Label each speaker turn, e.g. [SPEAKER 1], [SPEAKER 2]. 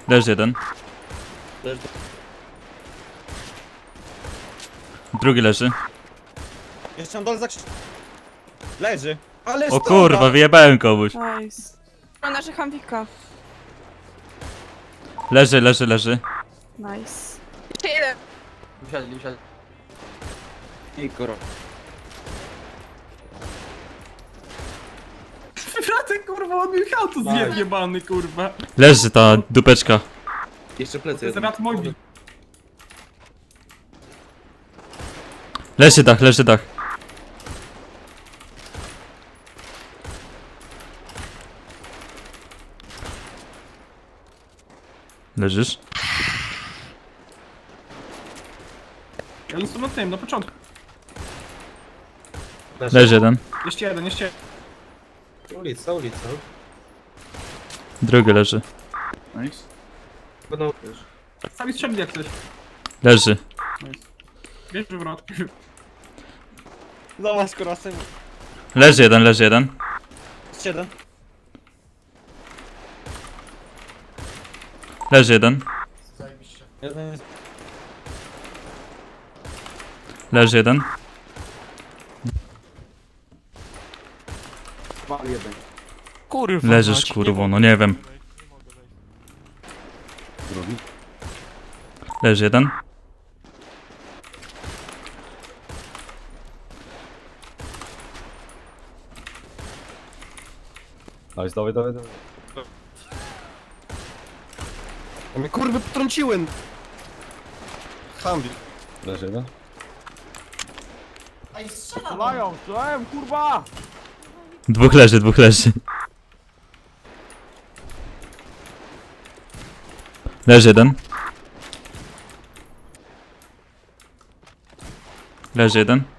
[SPEAKER 1] Leży jeden.
[SPEAKER 2] Leży.
[SPEAKER 1] Drugi leży.
[SPEAKER 3] Jeszcze na dole zakrzyk. Leży. Ale
[SPEAKER 1] O kurwa, wyjebałem komuś.
[SPEAKER 4] Nice. Ma naszych Hamwika.
[SPEAKER 1] Leży, leży, leży.
[SPEAKER 4] Nice. Jeszcze jeden.
[SPEAKER 2] Usiadli.
[SPEAKER 3] I kurwa.
[SPEAKER 5] Bratek, kurwa, on mi auto zjebany, kurwa.
[SPEAKER 1] Leży ta dupeczka.
[SPEAKER 2] Jeszcze
[SPEAKER 5] To
[SPEAKER 2] plecy
[SPEAKER 5] jest
[SPEAKER 2] jeden.
[SPEAKER 5] rat mój.
[SPEAKER 1] Leży dach, leży dach. Leżysz?
[SPEAKER 5] Ja jestem na tym, na początku.
[SPEAKER 1] Leży jeden.
[SPEAKER 5] Jeszcze jeden, jeszcze jeden.
[SPEAKER 2] Ulica.
[SPEAKER 1] Drugi leży.
[SPEAKER 5] Nice.
[SPEAKER 2] Będą...
[SPEAKER 5] Sami strzeli jak coś.
[SPEAKER 1] Leży.
[SPEAKER 5] Nice. Bierz wywrot.
[SPEAKER 3] Zobacz kurwa, syn.
[SPEAKER 1] Leży jeden, leży jeden.
[SPEAKER 3] Jeszcze jeden.
[SPEAKER 1] Leży jeden.
[SPEAKER 3] Jeden jest.
[SPEAKER 1] Leży jeden.
[SPEAKER 6] Kurwa.
[SPEAKER 1] Leżysz
[SPEAKER 6] mać,
[SPEAKER 1] kurwo, no nie wiem. Leży jeden.
[SPEAKER 7] Nice, dawaj.
[SPEAKER 3] A mnie kurwy potrąciłem. Hambi.
[SPEAKER 7] Leży jeden.
[SPEAKER 6] Strzelają, kurwa!
[SPEAKER 1] Dwóch leży, dwóch leży. Leży jeden. Leży jeden.